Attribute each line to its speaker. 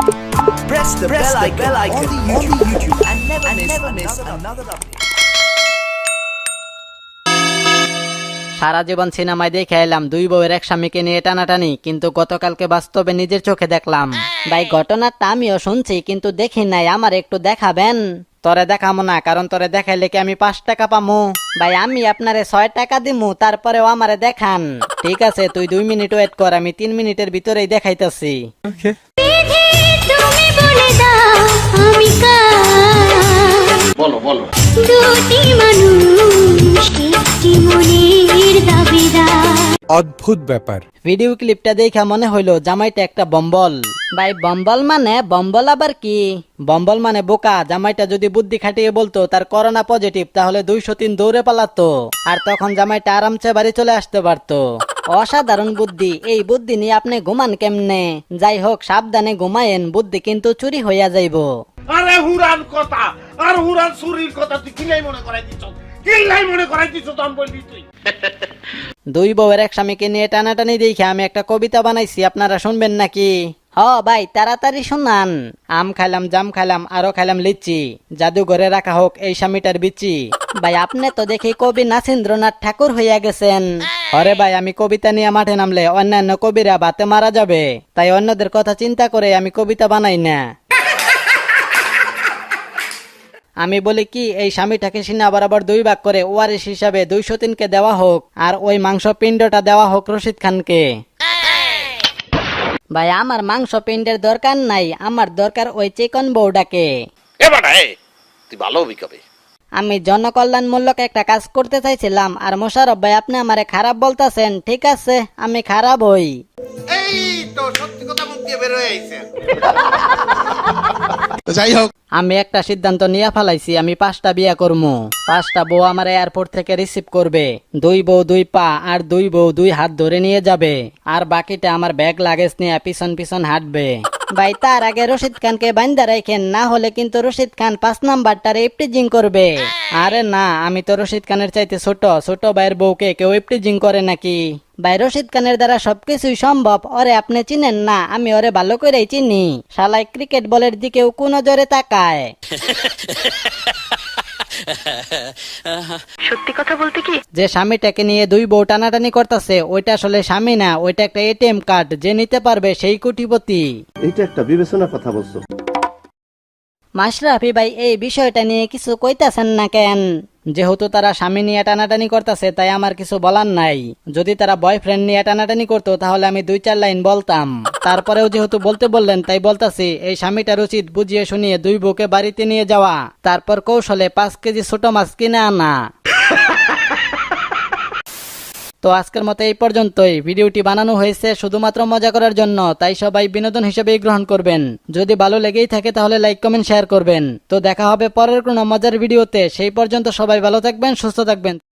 Speaker 1: Press the bell icon on the YouTube and never miss another update.
Speaker 2: সারা জীবন সিনেমায় দেখে এলাম দুই বউয়ের এক স্বামীকে নিয়ে টানাটানি, কিন্তু গতকালকে বাস্তবে নিজের চোখে দেখলাম। ভাই ঘটনাটা আমিও শুনছি কিন্তু দেখি নাই, আমার একটু দেখাবেন? তরে দেখামো না, কারণ তরে দেখাইলে কি আমি 5 টাকা পামু? ভাই আমি আপনারে 6 টাকা দিমু, তারপরেও আমারে দেখান। ঠিক আছে, তুই 2 মিনিট ওয়েট কর, আমি 3 মিনিটের ভিতরেই দেখাইতাছি।
Speaker 3: তুমি বলে দাও আমি
Speaker 4: বলো বলো।
Speaker 3: দুটি মানুষ একটি মনের দাবিদার।
Speaker 5: অদ্ভুত ব্যাপার।
Speaker 2: ভিডিও ক্লিপটা দেখা মনে হইলো জামাইটা একটা বম্বল। ভাই বম্বল মানে বম্বল আবার কি? বম্বল মানে বোকা। জামাইটা যদি বুদ্ধি খাটিয়ে বলতো তার করোনা পজিটিভ, তাহলে 203 দৌড়ে পালাতো, আর তখন জামাইটা আরামসে বাড়ি চলে আসতে পারতো। অসাধারণ বুদ্ধি। এই বুদ্ধি নিয়ে আপনি ঘুমান কেমনে? যাই হোক, সাবধানে ঘুমায়েন, বুদ্ধি কিন্তু চুরি হইয়া যাইবো।
Speaker 4: আরে হুরান কথা আর হুরান চুরির কথা তুই কিলাই মনে করাই দিছ, কিলাই মনে করাই দিছ তো আমি বলবি তুই।
Speaker 2: দুই বউয়ের এক স্বামীকে নিয়ে টানাটানি দেখে আমি একটা কবিতা বানাইছি, আপনারা শুনবেন নাকি? হ ভাই তাড়াতাড়ি শোনান। আম খাইলাম, জাম খাইলাম, আরো খাইলাম লিচি, জাদুঘরে রাখা হোক এই স্বামীটার বিচি। ভাই আপনি তো দেখি কবি নাসিন্দ্রনাথ ঠাকুর হইয়া গেছেন। আরে ভাই আমি কবিতা নিয়ে মাঠে নামলে অন্যান্য কবিরা বাতে মারা যাবে, তাই অন্যদের কথা চিন্তা করে আমি কবিতা বানাই না। আমি বলি কি, এই স্বামীটাকে সিনা বরাবর 2 ভাগ করে ওয়ারিশ হিসাবে 203-কে দেওয়া হোক, আর ওই মাংস পিণ্ডটা দেওয়া হোক রশিদ খানকে। ভাই আমার মাংস পিণ্ডের দরকার নাই, আমার দরকার ওই চিকন বউটাকে।
Speaker 4: তুই ভালো হবি কবে?
Speaker 2: আমি জনকল্যাণমূলক একটা কাজ করতে চাইছিলাম, আর মোশাররফ ভাই আপনি আমারে খারাপ বলতাছেন। ঠিক আছে, আমি খারাপ হই।
Speaker 4: এই তো সত্যি কথা মুখ দিয়ে বের হয়ে আইছে।
Speaker 5: যাই হোক,
Speaker 2: আমি একটা সিদ্ধান্ত নিয়ে ফেলাইছি, আমি 5টা বিয়া করবো। 5টা বউ আমার এয়ারপোর্ট থেকে রিসিভ করবে। 2 বউ 2 পা আর 2 বউ 2 হাত ধরে নিয়ে যাবে, আর বাকিটা আমার ব্যাগ লাগেজ নিয়ে পিছন পিছন হাঁটবে। ভাই তার আগে রশিদ খানকে বান্ধা রাখেন, না হলে কিন্তু রশিদ খান 5 নাম্বারটারে ইপটিজিং করবে। আরে না, আমি তো রশিদ খানের চাইতে ছোট। ছোট ভাইয়ের বউকে কেউ ইপটিজিং করে নাকি? ভাই রশিদ খানের দ্বারা সবকিছুই সম্ভব। ওরে আপনি চিনেন না, আমি ওরে ভালো করেই চিনি। শালাই ক্রিকেট বলের দিকেও কোন জোরে তাকায়।
Speaker 6: সত্যি কথা বলতে কি,
Speaker 2: যে স্বামীটাকে নিয়ে 2 বউ টানাটানি করতেছে, ওইটা আসলে স্বামী না, ওইটা একটা এটিএম কার্ড। যে নিতে পারবে সেই কোটিপতি।
Speaker 7: এইটা একটা বিবেচনার কথা বলছো।
Speaker 2: মাশরাফি ভাই এই বিষয়টা নিয়ে কিছু কইতাছেন না কেন? যেহেতু তারা স্বামী নিয়ে টানাটানি করতেছে, তাই আমার কিছু বলার নাই। যদি তারা বয়ফ্রেন্ড নিয়ে টানাটানি করতো তাহলে আমি 2-4 লাইন বলতাম। তারপরেও যেহেতু বলতে বললেন, তাই বলতাছি, এই স্বামীটার উচিত বুঝিয়ে শুনিয়ে 2 বউকে বাড়িতে নিয়ে যাওয়া, তারপর কৌশলে 5 কেজি ছোট মাছ কিনে আনা। তো আজকের মতো এই পর্যন্তই। ভিডিওটি বানানো হয়েছে শুধুমাত্র মজা করার জন্য, তাই সবাই বিনোদন হিসেবেই গ্রহণ করবেন। যদি ভালো লেগেই থাকে তাহলে লাইক কমেন্ট শেয়ার করবেন। তো দেখা হবে পরের কোনো মজার ভিডিওতে। সেই পর্যন্ত সবাই ভালো থাকবেন, সুস্থ থাকবেন।